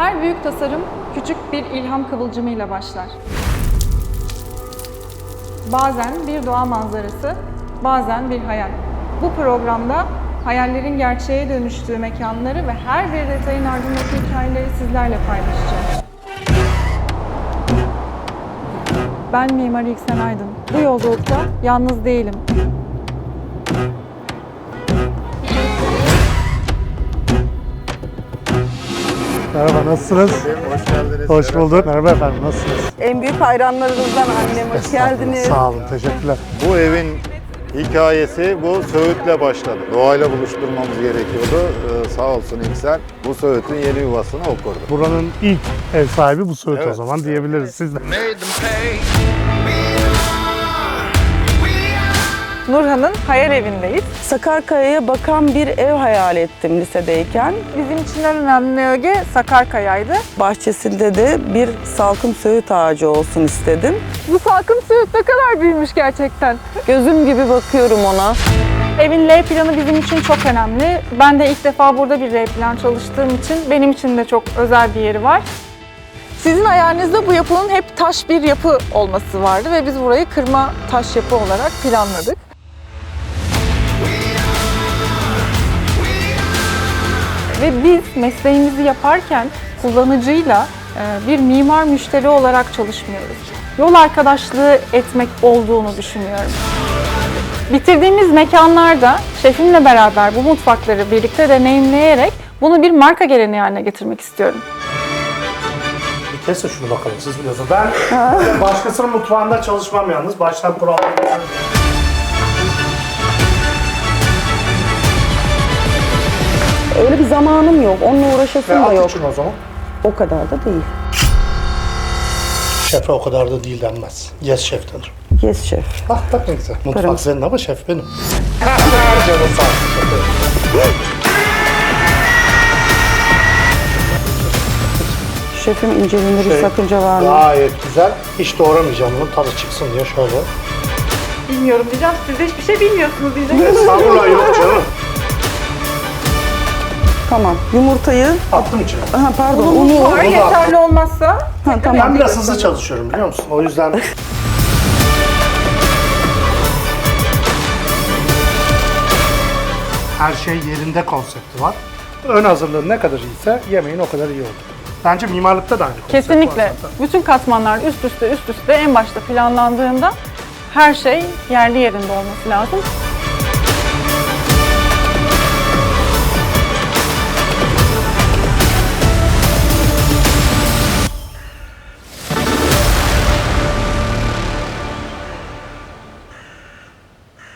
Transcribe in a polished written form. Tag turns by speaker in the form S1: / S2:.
S1: Her büyük tasarım küçük bir ilham kıvılcımıyla başlar. Bazen bir doğa manzarası, bazen bir hayal. Bu programda hayallerin gerçeğe dönüştüğü mekanları ve her bir detayın ardındaki hikayeleri sizlerle paylaşacağım. Ben Mimar İlksen Aydın. Bu yolculukta yalnız değilim.
S2: Merhaba, nasılsınız?
S3: Hoş geldiniz.
S2: Hoş bulduk. Merhaba efendim, nasılsınız?
S4: En büyük hayranlarınızdan annem, hoş geldiniz.
S2: Sağ olun, teşekkürler.
S3: Bu evin hikayesi bu Söğüt'le başladı. Doğayla buluşturmamız gerekiyordu. Sağ olsun İlksen bu Söğüt'ün yeni yuvasını okurdu.
S2: Buranın ilk ev sahibi bu Söğüt o
S3: Evet.
S2: zaman diyebiliriz siz de.
S1: Nurhan'ın hayal evindeyiz.
S4: Sakarkaya'ya bakan bir ev hayal ettim lisedeyken.
S1: Bizim için en önemli öge Sakarkaya'ydı.
S4: Bahçesinde de bir salkım söğüt ağacı olsun istedim.
S1: Bu salkım Söğüt ne kadar büyümüş gerçekten.
S4: Gözüm gibi bakıyorum ona.
S1: Evin L planı bizim için çok önemli. Ben de ilk defa burada bir L plan çalıştığım için benim için de çok özel bir yeri var. Sizin hayalinizde bu yapının hep taş bir yapı olması vardı ve biz burayı kırma taş yapı olarak planladık. Ve biz mesleğimizi yaparken kullanıcıyla bir mimar müşteri olarak çalışmıyoruz. Yol arkadaşlığı etmek olduğunu düşünüyorum. Bitirdiğimiz mekanlarda şefimle beraber bu mutfakları birlikte deneyimleyerek bunu bir marka geleneği haline getirmek istiyorum.
S2: Bir kese şunu bakalım, siz biliyorsunuz. Ben başkasının mutfağında çalışmam yalnız. Baştan kurallar.
S4: Öyle bir zamanım yok, onunla uğraşasım da yok.
S2: için o zaman.
S4: O kadar da değil.
S2: Şefe o kadar da değil denmez. Yes şef denir.
S4: Yes şef.
S2: Bak ne güzel. Mutfak
S4: Yaparım.
S2: senin ama şef benim. Canım sağ olsun.
S4: Şefim inceliğinde bir sakınca var mı?
S2: Gayet güzel. Hiç doğramayacağım bunu, tadı çıksın diye şöyle.
S1: Bilmiyorum diyeceğim, siz de hiçbir şey bilmiyorsunuz diyeceğim.
S2: Estağfurullah, yok canım.
S4: Tamam, yumurtayı,
S2: Attım içine.
S4: aha, pardon, unu.
S1: Unu
S2: da
S1: yeterli olmazsa
S4: Ha, tamam.
S2: Ben biraz hızlı çalışıyorum biliyor musun? O yüzden her şey yerinde konsepti var. Ön hazırlığı ne kadar iyiyse yemeğin o kadar iyi olur. Bence mimarlıkta da aynı konsept var
S1: kesinlikle
S2: zaten.
S1: bütün katmanlar üst üste en başta planlandığında her şey yerli yerinde olması lazım.